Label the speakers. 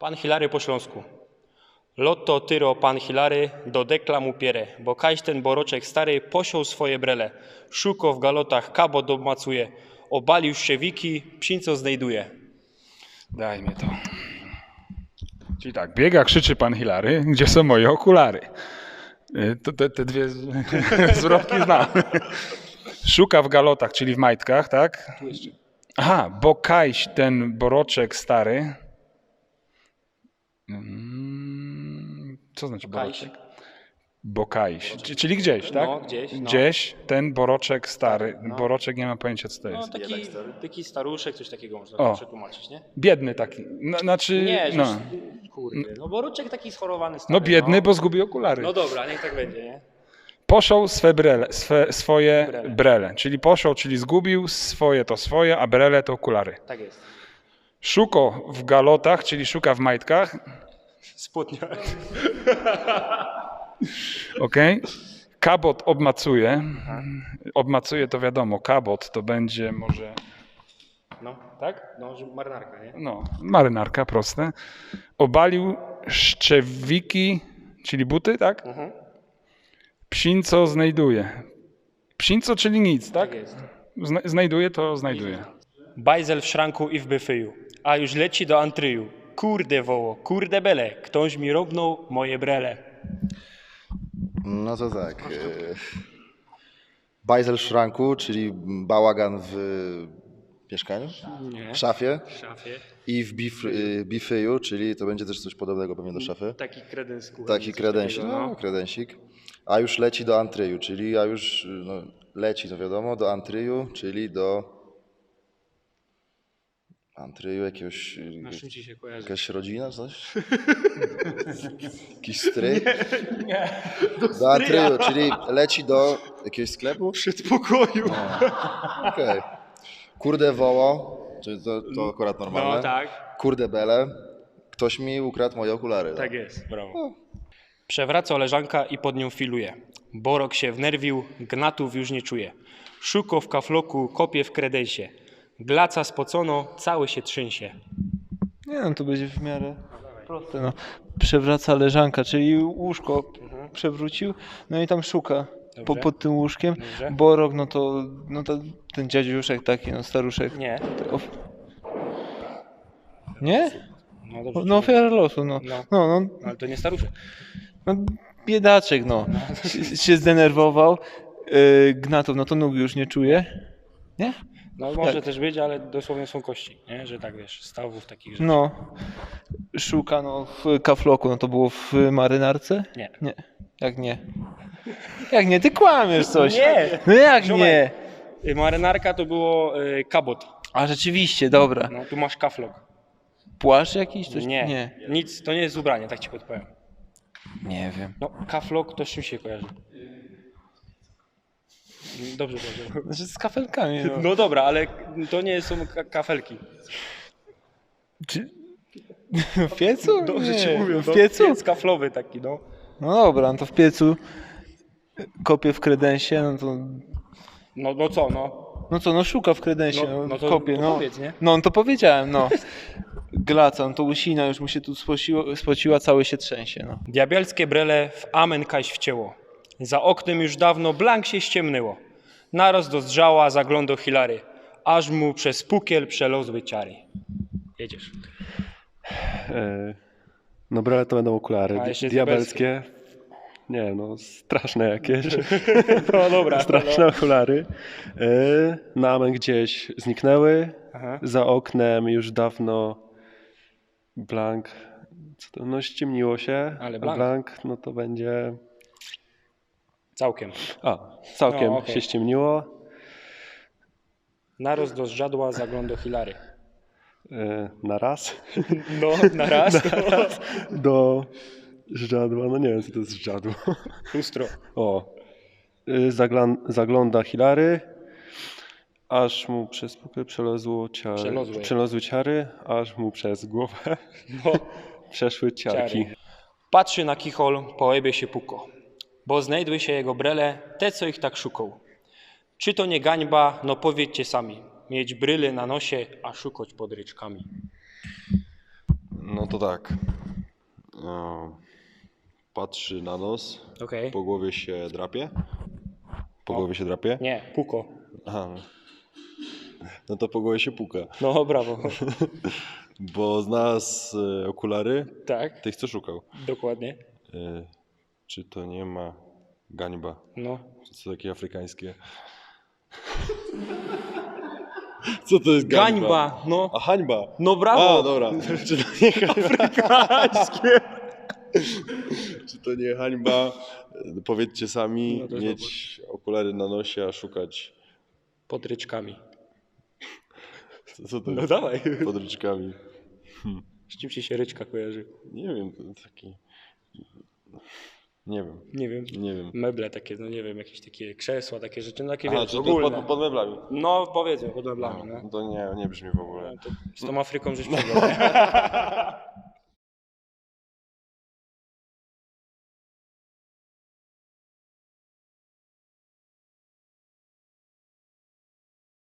Speaker 1: Pan Hilary po śląsku. Lotto tyro pan Hilary do deklamu pierę, bo kaś ten boroczek stary posiął swoje brele. Szuko w galotach kabot obmacuje, obalił szczewiki, psinco znajduje.
Speaker 2: Daj mi to. Czyli tak, biega, krzyczy pan Hilary, gdzie są moje okulary? Te dwie zwrotki znam. Szuka w galotach, czyli w majtkach, tak?
Speaker 1: Tu jeszcze.
Speaker 2: Aha, bo kajś ten boroczek stary. Co znaczy boroczek? Bokajś, czyli gdzieś, tak?
Speaker 1: No, gdzieś, no.
Speaker 2: Gdzieś ten boroczek stary.
Speaker 1: No.
Speaker 2: Boroczek nie ma pojęcia, co to
Speaker 1: No
Speaker 2: jest.
Speaker 1: taki staruszek, coś takiego można
Speaker 2: O.
Speaker 1: przetłumaczyć, nie?
Speaker 2: Biedny taki. Znaczy,
Speaker 1: Nie,
Speaker 2: no.
Speaker 1: że kurde, no boroczek taki schorowany stary.
Speaker 2: No biedny, bo zgubił okulary.
Speaker 1: No dobra, niech tak będzie, nie?
Speaker 2: Poszł swoje brele. Czyli poszł, czyli zgubił, swoje to swoje, a brele to okulary.
Speaker 1: Tak jest.
Speaker 2: Szuko w galotach, czyli szuka w majtkach.
Speaker 1: Spódnia.
Speaker 2: Okej. Kabot obmacuje. Obmacuje to wiadomo, kabot to będzie może...
Speaker 1: No, tak? No, marynarka, nie?
Speaker 2: No, marynarka, proste. Obalił szczewiki, czyli buty, tak?
Speaker 1: Mhm.
Speaker 2: Psinco znajduje. Psinco, czyli nic, tak?
Speaker 1: Tak jest.
Speaker 2: Znajduje to znajduje.
Speaker 1: Bajzel w szranku i w byfyju, a już leci do antryju. Kurde woło, kurde bele, ktoś mi robnął moje brele.
Speaker 3: No to tak. Bajzel w szranku, czyli bałagan w mieszkaniu,
Speaker 1: Nie.
Speaker 3: w szafie
Speaker 1: W szafie.
Speaker 3: i w bifyju, czyli to będzie też coś podobnego pewnie do szafy.
Speaker 1: Taki kredens.
Speaker 3: Taki kredensik, no kredensik. A już leci do antryju, czyli a już no, leci to wiadomo, do antryju, czyli do antryju jakiegoś,
Speaker 1: Na czym ci się kojarzy?
Speaker 3: jakaś rodzina, coś? Jakiś stryj? Nie. Do antryju, czyli leci do jakiegoś sklepu?
Speaker 1: Przedpokoju.
Speaker 3: Okej. Kurde woło, czyli to akurat normalne.
Speaker 1: No tak,
Speaker 3: Kurde bele, ktoś mi ukradł moje okulary.
Speaker 1: tak jest, brawo. Przewraca leżanka i pod nią filuje. Borok się wnerwił, gnatów już nie czuje. Szuko w kafloku, kopie w kredensie. Glaca spocono, cały się trzęsie.
Speaker 4: Nie no, to będzie w miarę proste. No. Przewraca leżanka, czyli łóżko przewrócił, no i tam szuka
Speaker 1: Dobrze.
Speaker 4: pod tym łóżkiem.
Speaker 1: Dobrze.
Speaker 4: Borok, no to ten dziadziuszek taki, no staruszek.
Speaker 1: Nie.
Speaker 4: Nie?
Speaker 1: No dobrze.
Speaker 4: No ofiara losu, no.
Speaker 1: No.
Speaker 4: No,
Speaker 1: Ale to nie staruszek.
Speaker 4: no biedaczek, no. Się zdenerwował. Gnatów, no to nóg już nie czuje. Nie?
Speaker 1: No może też być, ale dosłownie są kości, nie? Że tak wiesz, stawów takich rzeczy.
Speaker 4: No. Szuka, no w kafloku, no to było w marynarce?
Speaker 1: Nie.
Speaker 4: Nie. Jak nie? Jak nie? Ty kłamiesz coś.
Speaker 1: Nie.
Speaker 4: No jak
Speaker 1: Ziomek.
Speaker 4: nie?
Speaker 1: Marynarka to było kabot.
Speaker 4: A rzeczywiście, dobra.
Speaker 1: No tu masz kaflok.
Speaker 4: Płaszcz jakiś? Coś?
Speaker 1: Nie.
Speaker 4: Nie.
Speaker 1: Nic, to nie jest ubranie, tak ci podpowiem.
Speaker 4: Nie wiem.
Speaker 1: No kaflok to z czym się kojarzy? Dobrze, dobrze.
Speaker 4: Znaczy z kafelkami. No.
Speaker 1: No dobra, ale to nie są kafelki.
Speaker 4: Czy... W piecu?
Speaker 1: Dobrze ci
Speaker 4: Nie.
Speaker 1: mówię.
Speaker 4: W piecu?
Speaker 1: Piec kaflowy taki, no.
Speaker 4: No dobra, no to w piecu kopie w kredensie, no to...
Speaker 1: No co, no.
Speaker 4: No co, no szuka w kredensie,
Speaker 1: No to-
Speaker 4: kopie,
Speaker 1: to
Speaker 4: no.
Speaker 1: powiedz, nie?
Speaker 4: No to powiedziałem, no. Glaca, no to łysina już mu się tu spociła, cały się trzęsie, no.
Speaker 1: Diabelskie brele w amen kaś wcięło. Za oknem już dawno blank się ściemnyło. Naraz do zdrzała zaglądał Hilary, aż mu przez pukiel przelozły ciary. Jedziesz.
Speaker 5: No brale to będą okulary
Speaker 1: A, jeszcze
Speaker 5: diabelskie. Nie no, straszne jakieś.
Speaker 1: No dobra.
Speaker 5: Straszne okulary. Na amen gdzieś zniknęły.
Speaker 1: Aha.
Speaker 5: Za oknem już dawno blank. Co to? No ściemniło się.
Speaker 1: Ale
Speaker 5: a
Speaker 1: blank.
Speaker 5: blank no to będzie...
Speaker 1: Całkiem.
Speaker 5: Całkiem
Speaker 1: No, okej.
Speaker 5: się ściemniło.
Speaker 1: Naraz do zdrzadła zaglądał Hilary.
Speaker 5: Na raz.
Speaker 1: No, na raz.
Speaker 5: Do żadła. No nie wiem co to jest żadło.
Speaker 1: Lustro.
Speaker 5: O. Zagląda Hilary, aż mu przez pukiel przelozły ciary, aż mu przez głowę
Speaker 1: No,
Speaker 5: przeszły ciarki.
Speaker 1: ciary. Patrzy na kichol, po łebie się puko, bo znajdły się jego brele, te co ich tak szukał. Czy to nie gańba, no powiedzcie sami, mieć bryle na nosie, a szukać pod ryczkami.
Speaker 6: No to tak. Patrzy na nos,
Speaker 1: Okej.
Speaker 6: po głowie się drapie. Po głowie się drapie?
Speaker 1: Nie, puko.
Speaker 6: Aha. No to po głowie się puka.
Speaker 1: No, brawo.
Speaker 6: Bo znalazł okulary
Speaker 1: Tak,
Speaker 6: tych, co szukał.
Speaker 1: dokładnie.
Speaker 6: Czy to nie ma gańba?
Speaker 1: No.
Speaker 6: Co takie afrykańskie? Co to jest gańba?
Speaker 1: Gańba, no.
Speaker 6: A hańba.
Speaker 1: No brawo.
Speaker 6: A, dobra. Czy to nie
Speaker 1: Afrykańskie.
Speaker 6: Czy to nie hańba? Powiedzcie sami,
Speaker 1: No to jest
Speaker 6: mieć okulary na nosie, a szukać...
Speaker 1: Pod ryczkami.
Speaker 6: Co to
Speaker 1: No
Speaker 6: jest?
Speaker 1: dawaj.
Speaker 6: Pod ryczkami.
Speaker 1: Z czym ci się ryczka kojarzy?
Speaker 6: Nie wiem, to taki... Nie wiem,
Speaker 1: Nie wiem.
Speaker 6: nie wiem.
Speaker 1: Meble takie, no nie wiem, jakieś takie krzesła, takie rzeczy, no takie
Speaker 6: Aha,
Speaker 1: wiesz,
Speaker 6: czy to
Speaker 1: ogólne.
Speaker 6: pod meblami?
Speaker 1: No powiedzmy, pod meblami, no.
Speaker 6: To nie brzmi w ogóle.
Speaker 1: To z tą Afryką żeś przegrał.